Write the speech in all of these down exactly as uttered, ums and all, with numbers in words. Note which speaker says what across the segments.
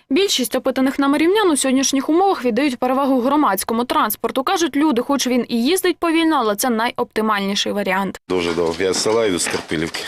Speaker 1: Більшість опитаних нами рівнян у сьогоднішніх умовах віддають перевагу громадському транспорту. Кажуть люди, хоч він і їздить повільно, але це найоптимальніший варіант.
Speaker 2: Дуже довго. Я з села йду з Карпилівки.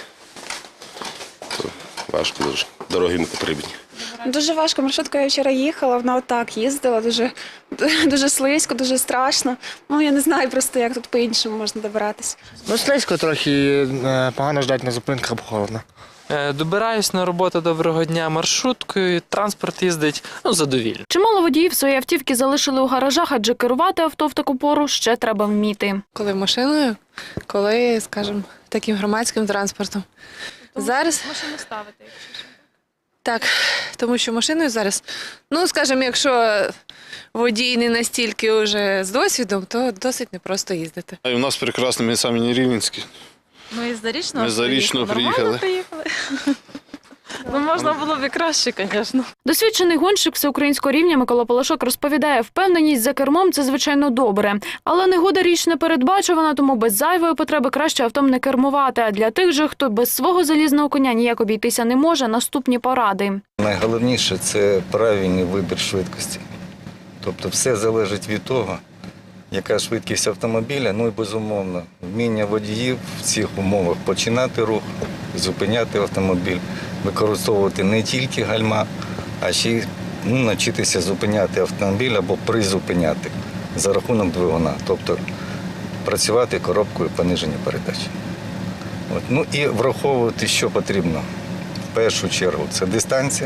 Speaker 2: Важко дуже. Дороги не потрібні.
Speaker 3: Дуже важко. Маршруткою я вчора їхала, вона отак їздила, дуже, дуже слизько, дуже страшно. Ну, я не знаю просто, як тут по-іншому можна добиратися.
Speaker 4: Ну, слизько трохи, погано ждати на зупинках, бо холодно.
Speaker 5: Добираюсь на роботу доброго дня маршруткою, транспорт їздить, ну, задовільно.
Speaker 1: Чимало водіїв свої автівки залишили у гаражах, адже керувати авто в таку пору ще треба вміти.
Speaker 6: Коли машиною, коли, скажімо, таким громадським транспортом. Тому зараз
Speaker 1: машину ставити, якщо що.
Speaker 6: Так, тому що машиною зараз, ну, скажімо, якщо водій не настільки вже з досвідом, то досить непросто їздити.
Speaker 2: У нас прекрасно, ми самі не рівненські.
Speaker 7: Ми із Зарічного
Speaker 2: Ми з Зарічного приїхали.
Speaker 7: приїхали. Ну, можна було б і краще, звісно.
Speaker 1: Досвідчений гонщик всеукраїнського рівня Микола Полошок розповідає, впевненість за кермом – це, звичайно, добре. Але негода річ не передбачувана, тому без зайвої потреби краще автом не кермувати. А для тих же, хто без свого залізного коня ніяк обійтися не може, наступні поради.
Speaker 8: Найголовніше – це правильний вибір швидкості. Тобто все залежить від того, яка швидкість автомобіля, ну і, безумовно, вміння водіїв в цих умовах починати рух, зупиняти автомобіль, використовувати не тільки гальма, а ще й ну, навчитися зупиняти автомобіль або призупиняти за рахунок двигуна, тобто працювати коробкою пониження передач. От. Ну і враховувати, що потрібно. В першу чергу це дистанція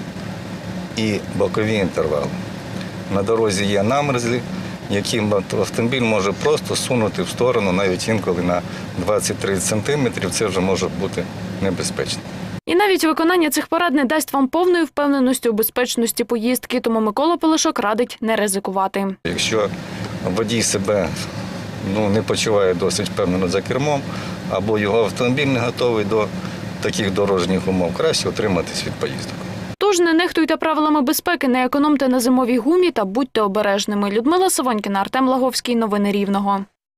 Speaker 8: і бокові інтервали. На дорозі є намерзлі, яким автомобіль може просто сунути в сторону, навіть інколи на двадцять-тридцять сантиметрів, це вже може бути небезпечно.
Speaker 1: І навіть виконання цих порад не дасть вам повної впевненості у безпечності поїздки, тому Микола Полошок радить не ризикувати.
Speaker 8: Якщо водій себе ну, не почуває досить впевнено за кермом, або його автомобіль не готовий до таких дорожніх умов, краще утриматись від поїздок.
Speaker 1: Тож не нехтуйте правилами безпеки, не економте на зимовій гумі та будьте обережними. Людмила Савонькіна, Артем Лаговський. Новини Рівного.